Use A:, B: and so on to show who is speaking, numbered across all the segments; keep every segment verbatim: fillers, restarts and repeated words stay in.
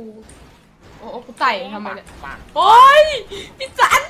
A: โอ้โอ้กูไต่ทำไมเนี่ย
B: ปาก
A: โอ้ยพี่จัน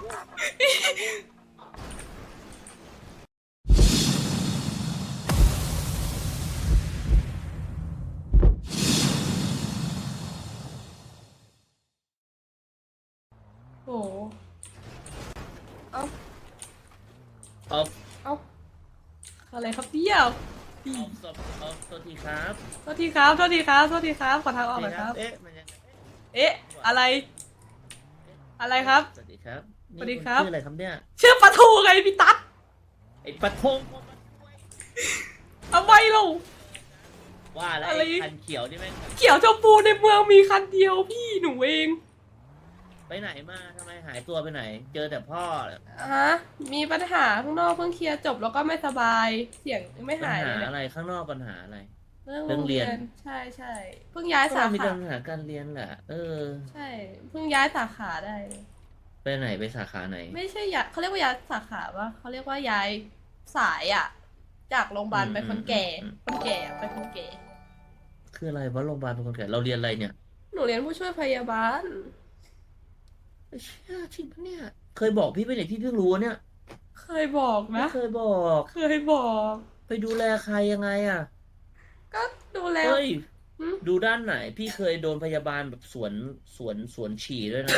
A: โอ้เอา
B: เอา
A: เอาอะไรครับเปี้ยว
B: เอาสดเอาสวัสดีครับ
A: โทษทีครับโทษทีครับโทษทีครับขอทางออกหน่อยครับ
B: เอ๊ะมันยังไง
A: เอ๊ะอะไรอะไรครับ
B: สวัสดีครับ
A: สวัสดีครับ
B: ชื่ออะไรครับเนี่ย
A: ชื่อปลาทูไงพี่ตั๊ด
B: ไอ้ปะทง
A: ทำไมเรา
B: ว่าแล้ว
A: อะไร
B: ไอ้คันเขียวนี่แม่ง
A: เขียวชมพูในเมืองมีคันเดียวพี่หนูเอง
B: ไปไหนมาทำไมหายตัวไปไหน เจอแต่พ่อ
A: ฮะมีปัญหาข้างนอกเพิ่งเคลียร์จบแล้วก็ไม่สบายเสียงยังไม่
B: ปัญ
A: หาย
B: หา
A: เลย
B: อะไรข้างนอกปัญหาอะไร
A: เรื่อง
B: เรื่องเรียน
A: ใช่ใช่เพิ่งย้ายสา
B: ก็มี
A: ขา
B: ปัญหาการเรียนแหละ เออ
A: ใช่เพิ่งย้ายสาขาได้
B: ไปไหนไปสาขาไหน
A: ไม่ใช่ย้ายเขาเรียกว่าย้ายสาขาปะเขาเรียกว่าย้ายสายอะจากโรงพยาบาลไปคนแก่
B: อืม
A: คนแก่ไปคนแก่
B: คืออะไรวะโรงพยาบาลเป็นคนแก่เราเรียนอะไรเนี่ย
A: หนูเรียนผู้ช่วยพยาบาล
B: เชี่ยจริงปะเนี่ย เคยบอกพี่ไปไหนพี่เพิ่งรู้เนี่ย
A: เคยบอก
B: ไม่
A: นะ
B: เคยบอก
A: เคยบอก
B: ไปดูแลใครยังไงอ่ะ
A: ก็ดูแล
B: เฮ้ย
A: หืม
B: ดูด้านไหน พี่เคยโดนพยาบาลแบบสวนสวนสวนฉี่ด้วยนะ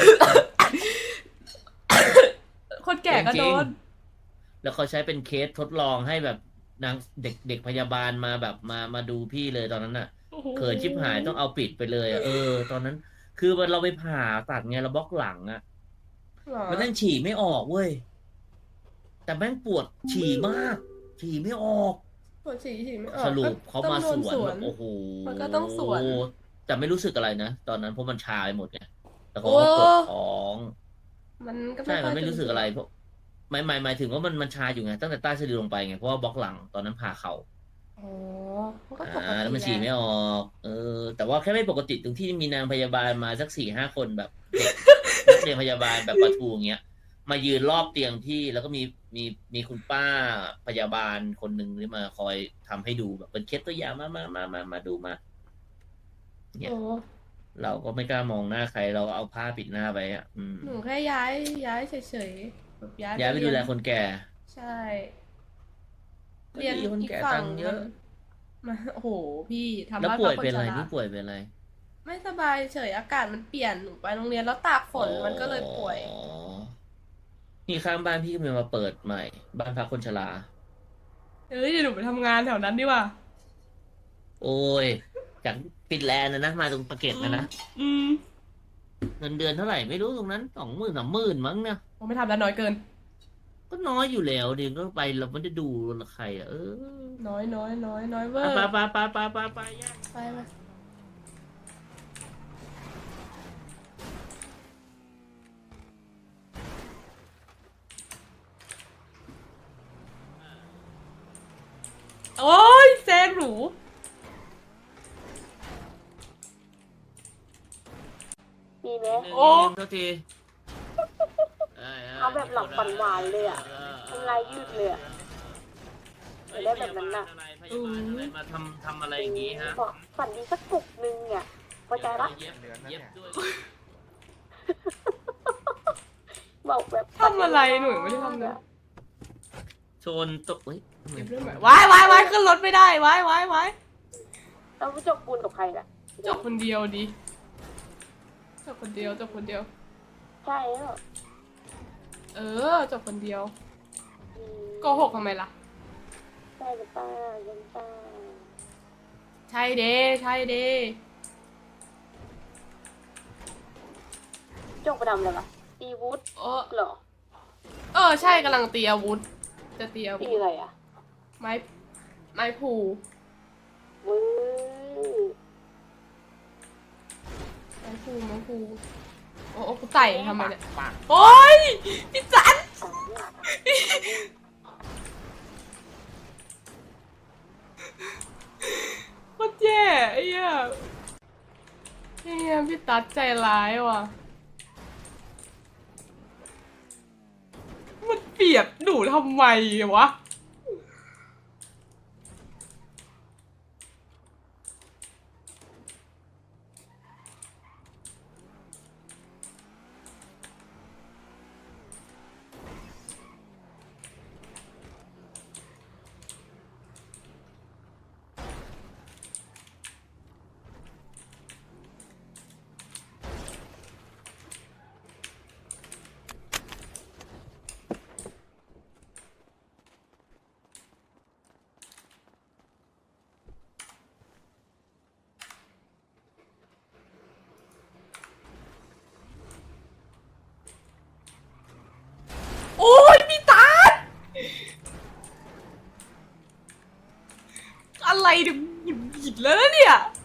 A: คนแก่ก็
B: จริ
A: โด
B: ง
A: น
B: แล้วเขาใช้เป็นเคสทดลองให้แบบนางเด็กเด็กพยาบาลมาแบบมามาดูพี่เลยตอนนั้นน่ะ
A: โอ้โห
B: เขินชิบหายต้องเอาปิดไปเลยอะเออ ตอนนั้น คือมันเราไปผ่าตัดไงเราบล็อกหลังอะ
A: เหรอ
B: มันนั่งฉี่ไม่ออกเว้ย แต่แม่งปวดฉี่มาก ฉี่ไม่ออก
A: ปวดฉี่ฉี่ไม่ออก
B: สรุปเขามาส
A: ต้อง
B: ว
A: โด
B: นแบบโอ้โห
A: มันก็ต้องสวน
B: แต่ไม่รู้สึกอะไรนะ ตอนนั้นเพราะมันชาไปหมดไงแต่เขา
A: โอ้
B: ก็ปวดท้อง
A: มันก็
B: ใช่
A: ค่
B: มั
A: อย
B: นไม่รู้สึกอะไรเพราะหมายหมายหมายถึงว่ามันมันชาอยู่ไงตั้งแต่ใต้สะดือลงไปไงเพราะว่าบล็อกหลังตอนนั้นผ่าเข่า
A: อ๋อมันก็ปก
B: อ่า
A: ติ
B: แล้วมันฉี่ไม่ออก เออ แต่ว่าแค่ไม่ปกติตรงที่มีนางพยาบาลมาสักสี่ห้าคนแบบเด็กนักเรียนพยาบาลแบบปะทูอย่างเงี้ย มายืนรอบเตียงพี่แล้วก็มีมีมีคุณป้าพยาบาลคนหนึ่งที่มาคอยทำให้ดูแบบเป็นเคสตัวอย่างมามามามามาดูมา เนี่ย
A: โอ้
B: เราก็ไม่กล้ามองหน้าใครเราเอาผ้าปิดหน้าไปอ่ะ อืม
A: หนูแค่ย้ายย้ายเฉยๆแบบย้าย
B: ย้ายไปดูแลคนแก่
A: ใช่
B: ก็
A: เรียน
B: ดีคน
A: อีก
B: แก่
A: ฝั่
B: ตั
A: ง
B: งค์เยอะ
A: มันโอ้โหพี่ทำ
B: แล้ว
A: บ้าน
B: ป่วย
A: พักค
B: เป็นอะไร
A: ชา
B: นี่ป่วยเป็นอะไร
A: ไม่สบายเฉยอากาศมันเปลี่ยนหนูไปโรงเรียนแล้วตากฝนมันก็เลยป่วย
B: อ๋อนี่ข้างบ้านพี่ก็มีมาเปิดใหม่ บ้านพักคนชรา
A: เอ้ยเดี๋ยวหนูไปทำงานแถวนั้นดีกว่า
B: โอ้ยจากฟินแลนด์นะนะมาตรงปากเกร็ดนะนะ
A: อืม
B: เงินเดือนเท่าไหร่ไม่รู้ตรงนั้นสองหมื่นสามหมื่นมั้งเนี่ย
A: ผมไม่ทำแล้วน้อยเกิน
B: ก็น้อยอยู่แล้วเดี๋ยวก็ไปเราไม่ได้ดูใครอ่ะเออ
A: น้อยน้อยน้อยน้อยเวอร์
B: ไปไปไปไปไปไปย่า
A: ไปไปโอ้ยแซงหนู
C: มีไหม
A: โอ้
B: โทษที
C: เอาแบบหลับหวานๆเลยอะ ทำลายยืดเลยอะ
B: เอ้ย
C: ได้แบบนั้นน่ะ
B: พยาบาลอะไรพยาบาลอะไรมาทำทำอะไรอย่างงี้ฮะ
C: บอกฝันดีสักปลุกนึงเนี่ยพอใจปะ
B: เย็บเย็บด้วย
C: บอกแบบ
A: ทำอะไรหนูไม่ได้ทำเลย
B: ชนตกเฮ้ย
A: เก็บเรื่องใหม่วายวายวายขึ้นรถไม่ได้วายวายวาย
C: แล้วไปจบปูนกับใครล่ะ
A: จบคนเดียวดิจบคนเดียวจบคนเดียว
C: ใช่แล้ว
A: เออจบคนเดียว
C: อืม
A: โกหกทำไมล่ะ
C: ใช่หรือเปล่ายังเปล่า
A: ใช่เด้ใช่เด้
C: จบประดำเลยปะตีวุฒ
A: เออ
C: เหรอ
A: เออใช่กำลังตีอาวุธ จะตีอาวุ
C: ตี
A: ธ
C: อะไรอ่ะ
A: ไม้ไม้ผู
C: วื้อ
A: ไม้ผูไม้ผูโอ้โอ้กูไต่ทำไมเนี่ย
B: ปาก
A: โอ้ยพี่จัน
C: สองเนี่ย
A: โคตรแย่ไอ้เหี้ยไอ้เหี้ยพี่ตัดใจร้ายว่ะมันเปียกหนูทำไมวะอะไรเนี่ยหงุดหงิดแล้วนะเนี่ย